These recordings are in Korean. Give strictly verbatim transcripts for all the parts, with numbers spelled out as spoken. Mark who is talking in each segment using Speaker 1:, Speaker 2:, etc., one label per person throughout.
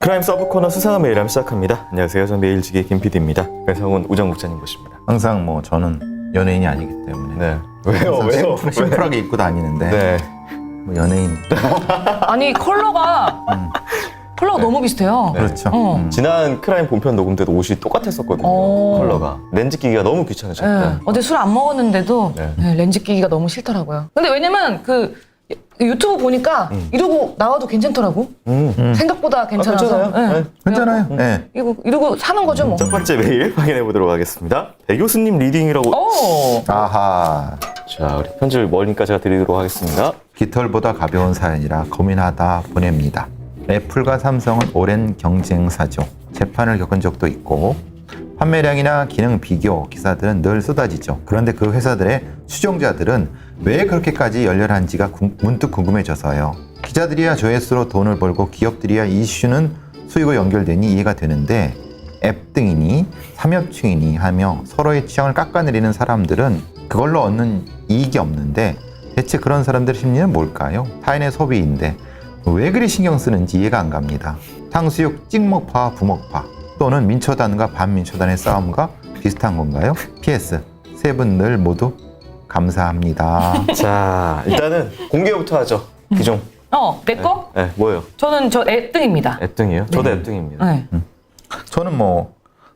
Speaker 1: 크라임 서브 코너 수사한 메일함 시작합니다. 안녕하세요. 전 메일지기 김피디입니다. 배성훈 우정 국장님 모십니다.
Speaker 2: 항상 뭐 저는 연예인이 아니기 때문에
Speaker 1: 네. 왜요?
Speaker 2: 항상
Speaker 1: 왜요?
Speaker 2: 심플, 심플하게 입고 다니는데
Speaker 1: 네.
Speaker 2: 뭐 연예인
Speaker 3: 아니 컬러가 컬러가 너무 비슷해요.
Speaker 1: 네.
Speaker 2: 그렇죠.
Speaker 3: 어.
Speaker 2: 음.
Speaker 1: 지난 크라임 본편 녹음 때도 옷이 똑같았었거든요.
Speaker 3: 어.
Speaker 1: 컬러가. 렌즈 끼기가 너무
Speaker 3: 네.
Speaker 1: 귀찮으셨다.
Speaker 3: 어제 술 안 먹었는데도
Speaker 1: 네.
Speaker 3: 네, 렌즈 끼기가 너무 싫더라고요. 근데 왜냐면 그 유튜브 보니까
Speaker 1: 음.
Speaker 3: 이러고 나와도 괜찮더라고.
Speaker 1: 음.
Speaker 2: 음.
Speaker 3: 생각보다 괜찮아서.
Speaker 1: 괜찮아요?
Speaker 3: 네.
Speaker 1: 네.
Speaker 2: 괜찮아요.
Speaker 3: 그래갖고
Speaker 2: 네.
Speaker 3: 이러고, 이러고 사는 거죠 뭐.
Speaker 1: 첫 번째 메일 확인해 보도록 하겠습니다. 배 교수님 리딩이라고.
Speaker 3: 오.
Speaker 2: 아하.
Speaker 1: 자, 우리 편지를 뭐니까 제가 드리도록 하겠습니다.
Speaker 2: 깃털보다 가벼운 사연이라 고민하다 보냅니다. 애플과 삼성은 오랜 경쟁사죠. 재판을 겪은 적도 있고 판매량이나 기능 비교 기사들은 늘 쏟아지죠. 그런데 그 회사들의 추종자들은 왜 그렇게까지 열렬한지가 구, 문득 궁금해져서요. 기자들이야 조회수로 돈을 벌고 기업들이야 이슈는 수익으로 연결되니 이해가 되는데 앱 등이니 삼엽충이니 하며 서로의 취향을 깎아내리는 사람들은 그걸로 얻는 이익이 없는데 대체 그런 사람들의 심리는 뭘까요? 타인의 소비인데 왜 그리 신경 쓰는지 이해가 안 갑니다. 탕수육 찍먹파와 부먹파 또는 민초단과 반민초단의 싸움과 비슷한 건가요? 피에스 세 분 늘 모두 감사합니다.
Speaker 1: 자, 일단은 공개부터 하죠. 기종.
Speaker 3: 어, 내 거?
Speaker 1: 네, 뭐예요?
Speaker 3: 저는 저 앱등입니다.
Speaker 1: 앱등이에요? 저도 앱등입니다.
Speaker 3: 네.
Speaker 2: 저는 뭐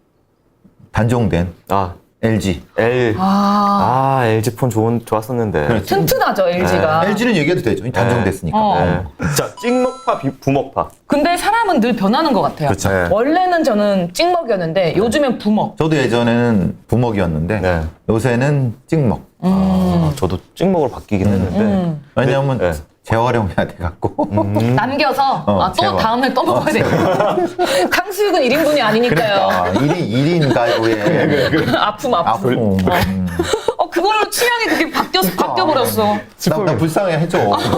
Speaker 2: 단종된
Speaker 1: 아,
Speaker 2: 엘지.
Speaker 1: L.
Speaker 3: 아,
Speaker 1: 아, 엘지 폰 좋은, 좋았었는데.
Speaker 2: 그렇죠.
Speaker 3: 튼튼하죠 엘지가.
Speaker 2: 엘지는 얘기해도 되죠. 단종됐으니까.
Speaker 3: 어.
Speaker 1: 네. 자, 찍먹파, 비- 부먹파.
Speaker 3: 근데 사람은 늘 변하는 것 같아요.
Speaker 2: 그렇죠.
Speaker 1: 네.
Speaker 3: 원래는 저는 찍먹이었는데 요즘엔 부먹.
Speaker 2: 저도 예전에는 부먹이었는데
Speaker 1: 네.
Speaker 2: 요새는 찍먹.
Speaker 1: 아, 저도 찍먹으로 바뀌긴 했는데.
Speaker 3: 음.
Speaker 2: 왜냐하면
Speaker 1: 네.
Speaker 2: 재활용해야 돼갖고.
Speaker 1: 음.
Speaker 3: 남겨서
Speaker 2: 어,
Speaker 3: 아, 또
Speaker 2: 제발.
Speaker 3: 다음날 또 먹어야 돼요. 탕수육은 일 인분이 아니니까요.
Speaker 2: 그러니까 일 인, 일 인 가구에
Speaker 3: 아픔 아픔.
Speaker 2: 아픔. 음.
Speaker 3: 어 그걸로 취향이 그렇게 바뀌어 바뀌어 버렸어.
Speaker 2: 나, 나 불쌍해 해줘.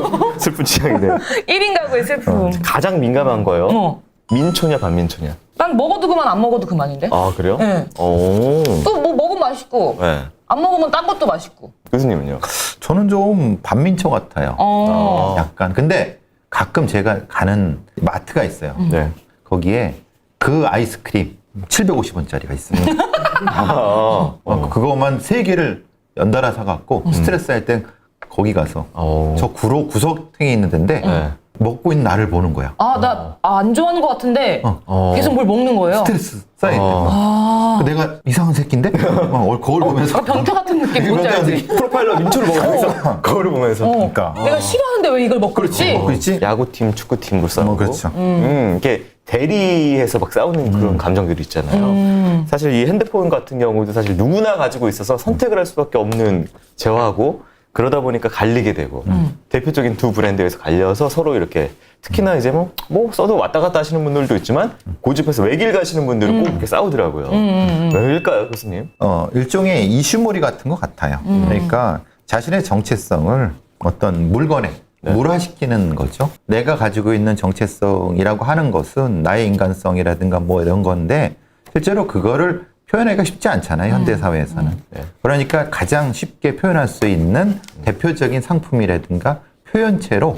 Speaker 1: 슬픈 취향이네요.
Speaker 3: 일 인 가구의 슬픔.
Speaker 1: 가장 민감한 거요.
Speaker 3: 어.
Speaker 1: 민초냐, 반민초냐.
Speaker 3: 난 먹어도 그만 안 먹어도 그만인데.
Speaker 1: 아, 그래요?
Speaker 3: 네.
Speaker 1: 오.
Speaker 3: 또 뭐 먹으면 맛있고
Speaker 1: 네.
Speaker 3: 안 먹으면 딴 것도 맛있고.
Speaker 1: 교수님은요?
Speaker 2: 저는 좀 반민초 같아요.
Speaker 3: 어.
Speaker 2: 약간. 근데 가끔 제가 가는 마트가 있어요.
Speaker 1: 네.
Speaker 2: 거기에 그 아이스크림 칠백오십 원짜리가 있어요.
Speaker 1: 아,
Speaker 2: 어, 그거만 세 개를 연달아 사갖고 스트레스 할 땐 거기 가서
Speaker 1: 어.
Speaker 2: 저 구로 구석탱이 있는 데인데
Speaker 1: 네.
Speaker 2: 먹고 있는 나를 보는 거야.
Speaker 3: 아 나 안 좋아하는 것 같은데
Speaker 1: 어.
Speaker 3: 계속 뭘 먹는 거예요.
Speaker 2: 스트레스 쌓일 때.
Speaker 1: 어.
Speaker 3: 아.
Speaker 2: 내가 이상한 새끼인데? 막 거울 보면서.
Speaker 3: 어, 변태 같은 느낌 뭔지
Speaker 2: 변태
Speaker 3: 알지?
Speaker 2: 같은
Speaker 1: 프로파일러 민초를 먹으면서 거울을 보면서.
Speaker 3: 어.
Speaker 2: 그러니까.
Speaker 3: 내가 싫어하는데 왜 이걸 먹고 있지?
Speaker 2: 먹고 있지?
Speaker 1: 야구팀, 축구팀으로 싸우고.
Speaker 2: 뭐 그렇죠.
Speaker 1: 음, 이게 대리해서 막 싸우는 그런 감정들이 있잖아요.
Speaker 3: 음.
Speaker 1: 사실 이 핸드폰 같은 경우도 사실 누구나 가지고 있어서 선택을 할 수밖에 없는 재화고 그러다 보니까 갈리게 되고
Speaker 3: 음.
Speaker 1: 대표적인 두 브랜드에서 갈려서 서로 이렇게 특히나 이제 뭐, 뭐 써도 왔다 갔다 하시는 분들도 있지만 고집해서 외길 가시는 분들은 꼭 이렇게 싸우더라고요.
Speaker 3: 음.
Speaker 1: 왜일까요, 교수님?
Speaker 2: 어, 일종의 이슈몰이 같은 것 같아요. 그러니까 자신의 정체성을 어떤 물건에
Speaker 1: 네.
Speaker 2: 물화시키는 거죠. 내가 가지고 있는 정체성이라고 하는 것은 나의 인간성이라든가 뭐 이런 건데 실제로 그거를 표현하기가 쉽지 않잖아요. 현대사회에서는.
Speaker 1: 네.
Speaker 2: 그러니까 가장 쉽게 표현할 수 있는 대표적인 상품이라든가 표현체로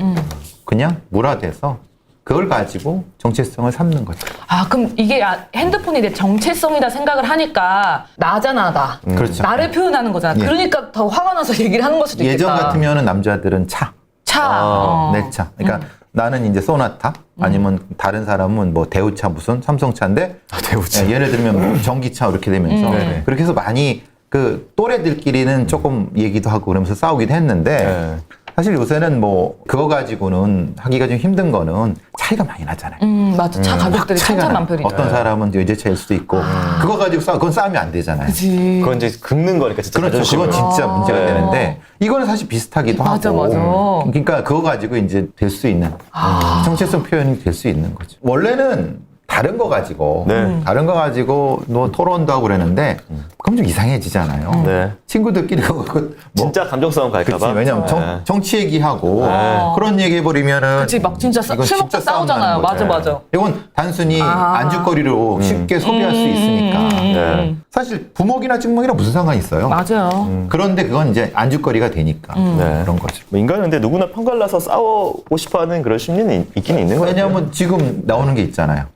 Speaker 2: 그냥 물화돼서 그걸 가지고 정체성을 삼는 거죠.
Speaker 3: 아 그럼 이게 야- 핸드폰이 내 정체성이다 생각을 하니까 나잖아 나.
Speaker 2: 그렇죠.
Speaker 3: 나를 표현하는 거잖아.
Speaker 2: 예.
Speaker 3: 그러니까 더 화가 나서 얘기를 하는 걸 수도 있겠다.
Speaker 2: 예전 같으면 남자들은 차,
Speaker 3: 차.
Speaker 1: 아,
Speaker 3: 어.
Speaker 2: 내 차. 그러니까 나는 이제 소나타 아니면 다른 사람은 뭐 대우차 무슨 삼성차인데
Speaker 1: 아, 대우차.
Speaker 2: 예, 예를 들면 뭐 전기차 이렇게 되면서
Speaker 3: 음.
Speaker 1: 네네.
Speaker 2: 그렇게 해서 많이 그 또래들끼리는 조금 얘기도 하고 그러면서 싸우기도 했는데
Speaker 1: 네.
Speaker 2: 사실 요새는 뭐 그거 가지고는 하기가 좀 힘든 거는 차이가 많이 나잖아요.
Speaker 3: 음 맞아. 차 가격들이
Speaker 2: 차이가 나.
Speaker 3: 천차만별이죠.
Speaker 2: 어떤 사람은 외제차일 수도 있고 그거 가지고 싸 그건 싸우면 안 되잖아요.
Speaker 3: 그치.
Speaker 1: 그건 이제 긁는 거니까 진짜
Speaker 2: 그렇죠.
Speaker 1: 자존심을.
Speaker 2: 그건 진짜
Speaker 3: 아.
Speaker 2: 문제가
Speaker 1: 네.
Speaker 2: 되는데 이거는 사실 비슷하기도
Speaker 3: 맞아,
Speaker 2: 하고.
Speaker 3: 맞아.
Speaker 2: 그러니까 그거 가지고 이제 될 수 있는
Speaker 3: 아.
Speaker 2: 정체성 표현이 될 수 있는 거죠. 원래는 다른 거 가지고
Speaker 1: 네.
Speaker 2: 다른 거 가지고 뭐 토론도 하고 그러는데 그럼 좀 이상해지잖아요.
Speaker 1: 네.
Speaker 2: 친구들끼리 그거 뭐
Speaker 1: 진짜 감정싸움
Speaker 2: 그치,
Speaker 1: 갈까봐.
Speaker 2: 왜냐면 정,
Speaker 1: 네.
Speaker 2: 정치 얘기하고
Speaker 1: 네.
Speaker 2: 그런 얘기 해버리면은
Speaker 3: 그치 막 진짜 싸-
Speaker 2: 이건
Speaker 3: 술 먹다
Speaker 2: 진짜 싸움
Speaker 3: 싸우잖아요.
Speaker 2: 나는 거죠.
Speaker 3: 맞아 맞아.
Speaker 2: 이건 단순히
Speaker 3: 아.
Speaker 2: 안주거리로 쉽게 소비할 수 있으니까
Speaker 3: 음, 음,
Speaker 1: 네.
Speaker 3: 음.
Speaker 2: 사실 부먹이나 찍먹이랑 무슨 상관이 있어요?
Speaker 3: 맞아요.
Speaker 2: 그런데 그건 이제 안주거리가 되니까
Speaker 1: 네.
Speaker 2: 그런 거죠.
Speaker 1: 뭐 인간은 근데 누구나 편갈라서 싸우고 싶어하는 그런 심리는 있- 있긴 있는 거예요.
Speaker 2: 왜냐하면 지금 나오는 게 있잖아요.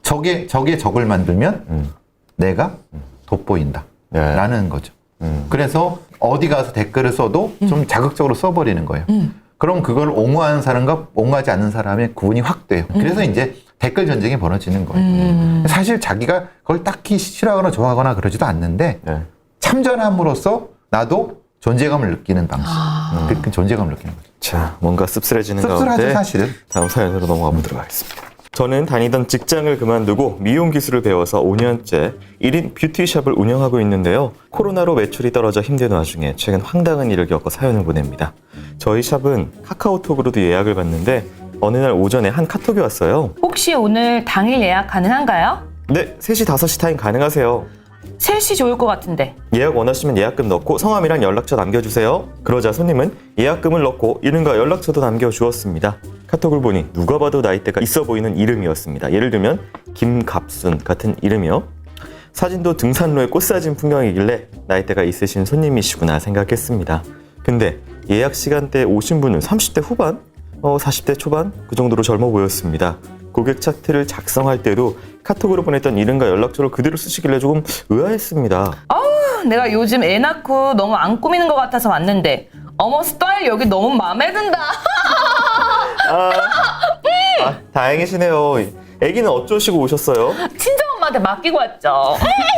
Speaker 2: 적의 적의 적을 만들면
Speaker 1: 음.
Speaker 2: 내가 돋보인다.
Speaker 1: 네.
Speaker 2: 라는 거죠.
Speaker 1: 음.
Speaker 2: 그래서 어디 가서 댓글을 써도 좀 자극적으로 써버리는 거예요.
Speaker 3: 음.
Speaker 2: 그럼 그걸 옹호하는 사람과 옹호하지 않는 사람의 구분이 확 돼요. 그래서 이제 댓글 전쟁이 벌어지는 거예요.
Speaker 3: 음.
Speaker 2: 사실 자기가 그걸 딱히 싫어하거나 좋아하거나 그러지도 않는데
Speaker 1: 네.
Speaker 2: 참전함으로써 나도 존재감을 느끼는 방식.
Speaker 3: 아.
Speaker 2: 그 존재감을 느끼는 거죠.
Speaker 1: 자, 뭔가 씁쓸해지는
Speaker 2: 씁쓸하죠,
Speaker 1: 가운데
Speaker 2: 사실은.
Speaker 1: 다음 사연으로 넘어가 보도록 하겠습니다. 저는 다니던 직장을 그만두고 미용 기술을 배워서 오 년째 일 인 뷰티샵을 운영하고 있는데요. 코로나로 매출이 떨어져 힘든 와중에 최근 황당한 일을 겪어 사연을 보냅니다. 저희 샵은 카카오톡으로도 예약을 받는데 어느 날 오전에 한 카톡이 왔어요.
Speaker 3: 혹시 오늘 당일 예약 가능한가요?
Speaker 1: 네, 세 시, 다섯 시 타임 가능하세요.
Speaker 3: 세 시 좋을 것 같은데.
Speaker 1: 예약 원하시면 예약금 넣고 성함이랑 연락처 남겨주세요. 그러자 손님은 예약금을 넣고 이름과 연락처도 남겨주었습니다. 카톡을 보니 누가 봐도 나이대가 있어 보이는 이름이었습니다. 예를 들면 김갑순 같은 이름이요. 사진도 등산로의 꽃사진 풍경이길래 나이대가 있으신 손님이시구나 생각했습니다. 근데 예약 시간대에 오신 분은 삼십 대 후반? 어, 사십 대 초반? 그 정도로 젊어 보였습니다. 고객 차트를 작성할 때도 카톡으로 보냈던 이름과 연락처를 그대로 쓰시길래 조금 의아했습니다.
Speaker 3: 내가 요즘 애 낳고 너무 안 꾸미는 것 같아서 왔는데 어머 스타일 여기 너무 마음에 든다.
Speaker 1: 아, 아, 다행이시네요. 아기는 어쩌시고 오셨어요?
Speaker 3: 친정엄마한테 맡기고 왔죠.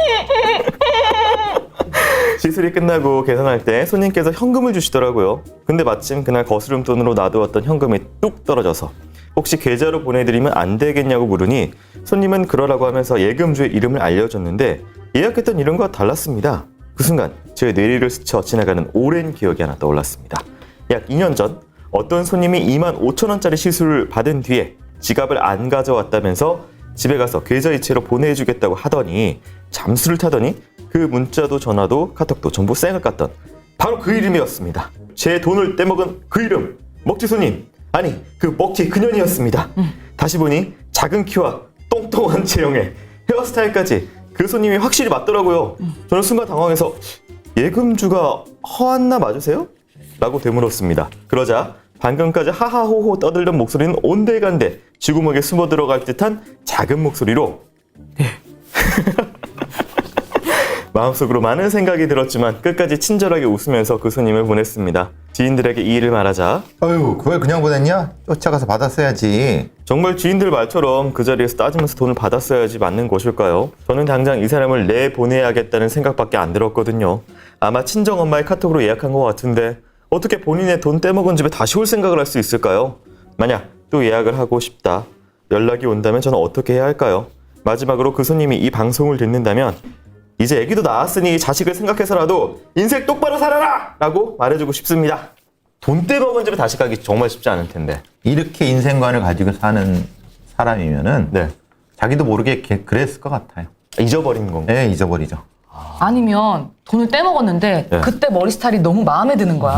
Speaker 1: 시술이 끝나고 계산할 때 손님께서 현금을 주시더라고요. 근데 마침 그날 거스름돈으로 놔두었던 현금이 뚝 떨어져서 혹시 계좌로 보내드리면 안 되겠냐고 물으니 손님은 그러라고 하면서 예금주의 이름을 알려줬는데 예약했던 이름과 달랐습니다. 그 순간 제 뇌리를 스쳐 지나가는 오랜 기억이 하나 떠올랐습니다. 약 이 년 전 어떤 손님이 이만 오천 원짜리 시술을 받은 뒤에 지갑을 안 가져왔다면서 집에 가서 계좌이체로 보내주겠다고 하더니 잠수를 타더니 그 문자도 전화도 카톡도 전부 쌩을 깠던 바로 그 이름이었습니다. 제 돈을 떼먹은 그 이름, 먹튀 손님, 아니 그 먹튀 그년이었습니다. 음. 다시 보니 작은 키와 똥똥한 체형에 헤어스타일까지 그 손님이 확실히 맞더라고요. 음. 저는 순간 당황해서 예금주가 허안나 맞으세요? 라고 되물었습니다. 그러자 방금까지 하하호호 떠들던 목소리는 온데간데 쥐구멍에 숨어 들어갈 듯한 작은 목소리로 네. 마음속으로 많은 생각이 들었지만 끝까지 친절하게 웃으면서 그 손님을 보냈습니다. 지인들에게 이 일을 말하자
Speaker 2: 아유, 그걸 그냥 보냈냐? 쫓아가서 받았어야지.
Speaker 1: 정말 지인들 말처럼 그 자리에서 따지면서 돈을 받았어야지 맞는 것일까요? 저는 당장 이 사람을 내보내야겠다는 생각밖에 안 들었거든요. 아마 친정엄마의 카톡으로 예약한 것 같은데 어떻게 본인의 돈 떼먹은 집에 다시 올 생각을 할 수 있을까요? 만약 또 예약을 하고 싶다 연락이 온다면 저는 어떻게 해야 할까요? 마지막으로 그 손님이 이 방송을 듣는다면 이제 애기도 낳았으니 자식을 생각해서라도 인생 똑바로 살아라! 라고 말해주고 싶습니다. 돈 떼먹은 집에 다시 가기 정말 쉽지 않을 텐데.
Speaker 2: 이렇게 인생관을 가지고 사는 사람이면은
Speaker 1: 네.
Speaker 2: 자기도 모르게 게- 그랬을 것 같아요.
Speaker 1: 잊어버린 건가?
Speaker 2: 네, 잊어버리죠.
Speaker 3: 아니면 돈을 떼먹었는데
Speaker 1: 네.
Speaker 3: 그때 머리 스타일이 너무 마음에 드는 거야.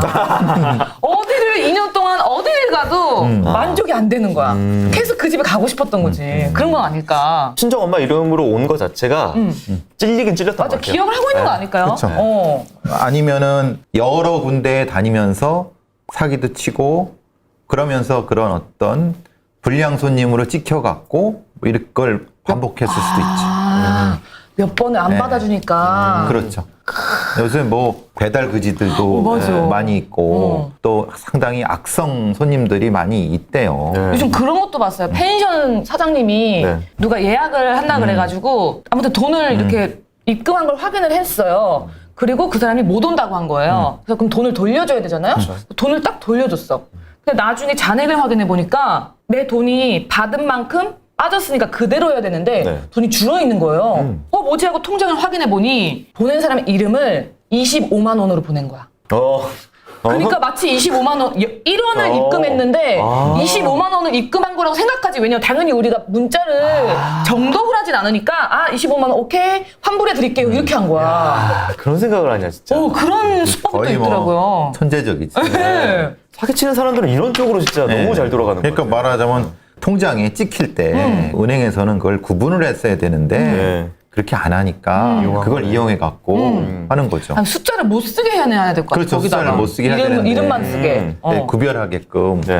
Speaker 3: 어디를 이 년 동안 어디를 가도 만족이 안 되는 거야. 계속 그 집에 가고 싶었던 거지. 그런 건 아닐까.
Speaker 1: 친정엄마 이름으로 온 거 자체가
Speaker 3: 음.
Speaker 1: 찔리긴 찔렸던
Speaker 3: 맞아,
Speaker 1: 것 같아요.
Speaker 3: 기억을 하고 있는 거 아닐까요?
Speaker 2: 그쵸.
Speaker 3: 어.
Speaker 2: 아니면은 여러 군데에 다니면서 사기도 치고 그러면서 그런 어떤 불량 손님으로 찍혀갖고 뭐 이런 걸 반복했을 수도 있지.
Speaker 3: 아, 몇 번을 안
Speaker 2: 네.
Speaker 3: 받아주니까.
Speaker 2: 그렇죠. 요새 뭐 배달 그지들도
Speaker 3: 어, 맞아.
Speaker 2: 예, 많이 있고
Speaker 3: 어.
Speaker 2: 또 상당히 악성 손님들이 많이 있대요.
Speaker 1: 네.
Speaker 3: 요즘 그런 것도 봤어요. 펜션 사장님이
Speaker 1: 네.
Speaker 3: 누가 예약을 한다 그래가지고 아무튼 돈을 이렇게 입금한 걸 확인을 했어요. 그리고 그 사람이 못 온다고 한 거예요. 그래서 그럼 돈을 돌려줘야 되잖아요. 돈을 딱 돌려줬어. 근데 나중에 잔액을 확인해 보니까 내 돈이 받은 만큼 빠졌으니까 그대로여야 되는데
Speaker 1: 네.
Speaker 3: 돈이 줄어 있는 거예요.
Speaker 1: 음.
Speaker 3: 어 뭐지 하고 통장을 확인해 보니 보낸 사람의 이름을 이십오만 원으로 보낸 거야.
Speaker 1: 어.
Speaker 3: 그러니까 마치 이십오만 원, 일 원을
Speaker 1: 어.
Speaker 3: 입금했는데
Speaker 1: 아.
Speaker 3: 이십오만 원을 입금한 거라고 생각하지. 왜냐면 당연히 우리가 문자를
Speaker 1: 아.
Speaker 3: 정독을 하진 않으니까 아 이십오만 원 오케이 환불해 드릴게요 이렇게 한 거야.
Speaker 1: 아, 그런 생각을 하냐 진짜.
Speaker 3: 어 그런 수법도
Speaker 2: 거의 뭐
Speaker 3: 있더라고요.
Speaker 2: 천재적이지.
Speaker 3: 네.
Speaker 1: 사기치는 사람들은 이런 쪽으로 진짜
Speaker 2: 네.
Speaker 1: 너무 잘 돌아가는 거예요.
Speaker 2: 그러니까 말하자면 통장에 찍힐 때 은행에서는 그걸 구분을 했어야 되는데
Speaker 1: 네.
Speaker 2: 그렇게 안 하니까 그걸 이용해 갖고 하는 거죠.
Speaker 3: 아니, 숫자를 못 쓰게 해야 될 것 같아요.
Speaker 2: 그렇죠.
Speaker 3: 거기다가.
Speaker 2: 숫자를 못 쓰게 해야
Speaker 3: 이름,
Speaker 2: 되는데.
Speaker 3: 이름만 쓰게.
Speaker 1: 음.
Speaker 3: 어.
Speaker 2: 네, 구별하게끔
Speaker 1: 네.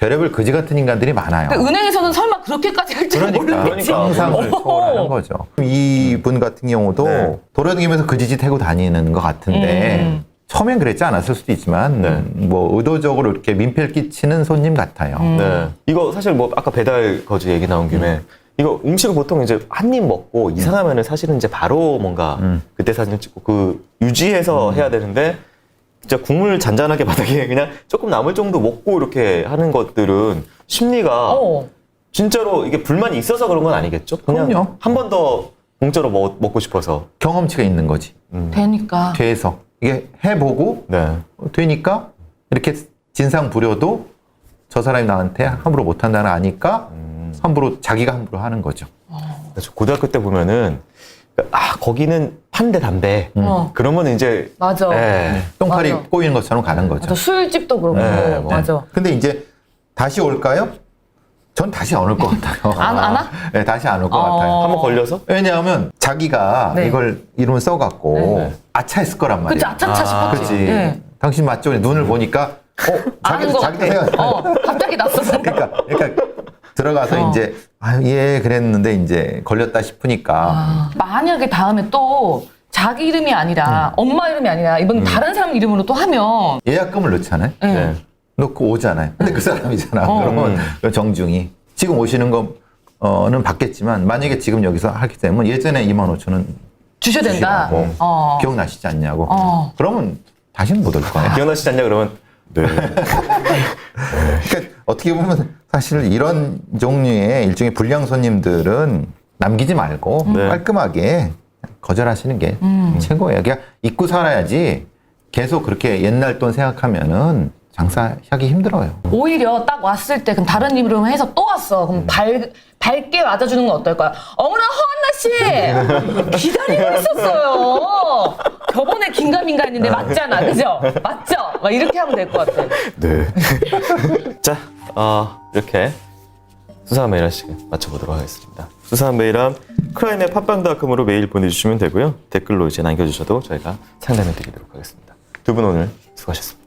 Speaker 2: 별의별 거지 같은 인간들이 많아요.
Speaker 3: 근데 은행에서는 설마 그렇게까지 할 줄은
Speaker 2: 그러니까
Speaker 3: 모르겠지.
Speaker 2: 상상을 초월하는 거죠. 이분 같은 경우도
Speaker 1: 네.
Speaker 2: 돌아다니면서 거지짓 하고 다니는 것 같은데
Speaker 3: 음.
Speaker 2: 처음엔 그랬지 않았을 수도 있지만
Speaker 1: 네.
Speaker 2: 뭐 의도적으로 이렇게 민폐를 끼치는 손님 같아요.
Speaker 3: 음.
Speaker 1: 네. 이거 사실 뭐 아까 배달 거지 얘기 나온 김에
Speaker 2: 음.
Speaker 1: 이거 음식을 보통 이제 한 입 먹고 이상하면은 사실은 이제 바로 뭔가
Speaker 2: 음.
Speaker 1: 그때 사진 찍고 그 유지해서 해야 되는데 진짜 국물 잔잔하게 바닥에 그냥 조금 남을 정도 먹고 이렇게 하는 것들은 심리가
Speaker 3: 어.
Speaker 1: 진짜로 이게 불만이 있어서 그런 건 아니겠죠? 그냥
Speaker 2: 그럼요.
Speaker 1: 한 번 더 공짜로 먹, 먹고 싶어서.
Speaker 2: 경험치가 있는 거지.
Speaker 3: 되니까.
Speaker 2: 돼서 이게 해보고
Speaker 1: 네.
Speaker 2: 되니까 이렇게 진상 부려도 저 사람이 나한테 함부로 못한다는 거 아니까
Speaker 1: 음.
Speaker 2: 함부로 자기가 함부로 하는 거죠.
Speaker 1: 그래서 고등학교 때 보면은 아 거기는 판대 담배.
Speaker 3: 어.
Speaker 1: 그러면 이제
Speaker 3: 맞아.
Speaker 1: 네.
Speaker 2: 똥파리
Speaker 3: 맞아.
Speaker 2: 꼬이는 것처럼 가는 거죠.
Speaker 3: 맞아. 술집도 그렇고.
Speaker 1: 네, 뭐.
Speaker 3: 맞아.
Speaker 2: 근데 이제 다시 올까요? 전 다시 안 올 것 같아요.
Speaker 3: 안, 안 와?
Speaker 2: 네, 다시 안 올 것
Speaker 3: 어.
Speaker 2: 같아요.
Speaker 1: 한번 걸려서
Speaker 2: 왜냐하면 자기가
Speaker 3: 네.
Speaker 2: 이걸 이름을 써갖고
Speaker 1: 네.
Speaker 2: 아차했을 거란 말이에요.
Speaker 3: 그치, 아차차
Speaker 1: 아,
Speaker 3: 싶었지.
Speaker 2: 그치.
Speaker 3: 예.
Speaker 2: 당신 맞죠? 눈을 보니까 어,
Speaker 3: 아는
Speaker 2: 자기도
Speaker 3: 것
Speaker 2: 자기도
Speaker 3: 같아.
Speaker 2: 생각.
Speaker 3: 어, 갑자기 낯선
Speaker 2: 그러니까 그러니까 들어가서
Speaker 3: 어.
Speaker 2: 이제 아, 예 그랬는데 이제 걸렸다 싶으니까
Speaker 3: 아, 만약에 다음에 또 자기 이름이 아니라 엄마 이름이 아니라 이번 다른 사람 이름으로 또 하면
Speaker 2: 예약금을 넣잖아요.
Speaker 3: 예.
Speaker 1: 네.
Speaker 2: 넣고 오잖아요. 근데 그 사람이잖아.
Speaker 3: 어.
Speaker 2: 그러면 정중히 지금 오시는 거는 받겠지만 만약에 지금 여기서 하게 되면 예전에 이만 오천 원
Speaker 3: 주셔야 된다.
Speaker 2: 주시라고
Speaker 3: 어.
Speaker 2: 기억나시지 않냐고.
Speaker 3: 어.
Speaker 2: 그러면 다시는 못 올 거야.
Speaker 1: 기억나시지 않냐 그러면 네.
Speaker 2: 그러니까 어떻게 보면 사실 이런 종류의 일종의 불량 손님들은 남기지 말고
Speaker 1: 네.
Speaker 2: 깔끔하게 거절하시는 게
Speaker 3: 음.
Speaker 2: 최고예요. 그냥 잊고 살아야지 계속 그렇게 옛날 돈 생각하면은 장사하기 힘들어요.
Speaker 3: 오히려 딱 왔을 때 그럼 다른 이름 해서 또 왔어. 그럼 밝, 밝게 맞아주는 건 어떨까요? 어머나 허한나 씨 기다리고 있었어요. 저번에 긴가민가 했는데 맞잖아, 그죠? 맞죠? 막 이렇게 하면 될 것 같아.
Speaker 1: 네. 자, 어, 이렇게 수사한 메일 한 시간 맞춰보도록 하겠습니다. 수사한 메일함 크라임의 팟빵닷컴으로 메일 보내주시면 되고요. 댓글로 이제 남겨주셔도 저희가 상담해 드리도록 하겠습니다. 두 분 오늘 수고하셨습니다.